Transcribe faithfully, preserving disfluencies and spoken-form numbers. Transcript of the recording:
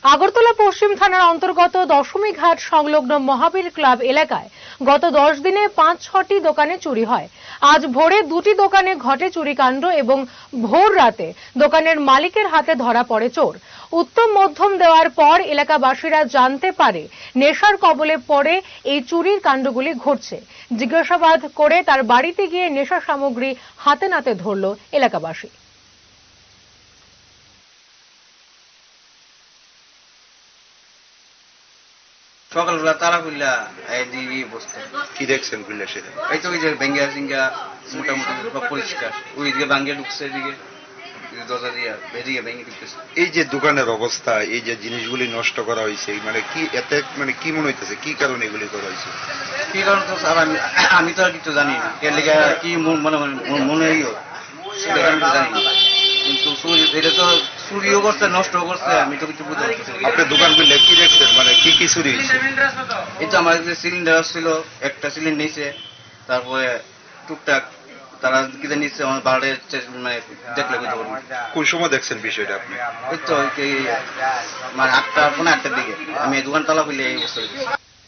আগরতলা পশ্চিম থানার অন্তর্গত দশমী ঘাট সংলগ্ন মহাবীর ক্লাব এলাকায় গত দশ দিনে পাঁচ ছটি দোকানে চুরি হয়। আজ ভোরে দুটি দোকানে ঘটে চুরিকাণ্ড এবং ভোর রাতে দোকানের মালিকের হাতে ধরা পড়ে চোর। উত্তম মধ্যম দেওয়ার পর এলাকাবাসীরা জানতে পারে নেশার কবলে পড়ে এই চুরির কাণ্ডগুলি ঘটছে। জিজ্ঞাসাবাদ করে তার বাড়িতে গিয়ে নেশা সামগ্রী হাতে নাতে ধরল এলাকাবাসী। সকালবেলা তারা খুললা এইদিকে বসতে কি দেখছেন খুললে সেটা? এই তো ওই যে ব্যাঙ্গিয়া সিঙ্গা মোটামুটি সব পরিষ্কার, ওইদিকে ভাঙ্গিয়ে ঢুকছে, এদিকে দরজা দিয়ে এদিকে ভেঙে ঢুকতেছে। এই যে দোকানের অবস্থা, এই যে জিনিসগুলি নষ্ট করা হয়েছে, মানে কি এতে মানে কি মনে হইতেছে, কি কারণে এগুলি করা হয়েছে? কি কারণ তো স্যার আমি আমি তো আর কিছু জানি না, এর লেগে কি মনে মনে হইও সেটা আমি তো জানি না, কিন্তু এটা তো চুরিও করছে নষ্টও করছে, আমি তো কিছু বুঝতে পারছি। আপনার দোকান খুললে কি দেখছেন, মানে কি কি চুরি হয়েছে? এই তো আমার যে সিলিন্ডার ছিল, একটা সিলিন্ডার নিয়েছে, তারপরে টুকটাক তারা কি নিচ্ছে আমার বাড়ি মানে দেখলে বুঝতে পারবো। কোন সময় দেখছেন বিষয়টা আপনি? ওই তো মানে আটটা পনেরো আটটার দিকে আমি দোকান তালা খুলে এই অবস্থা।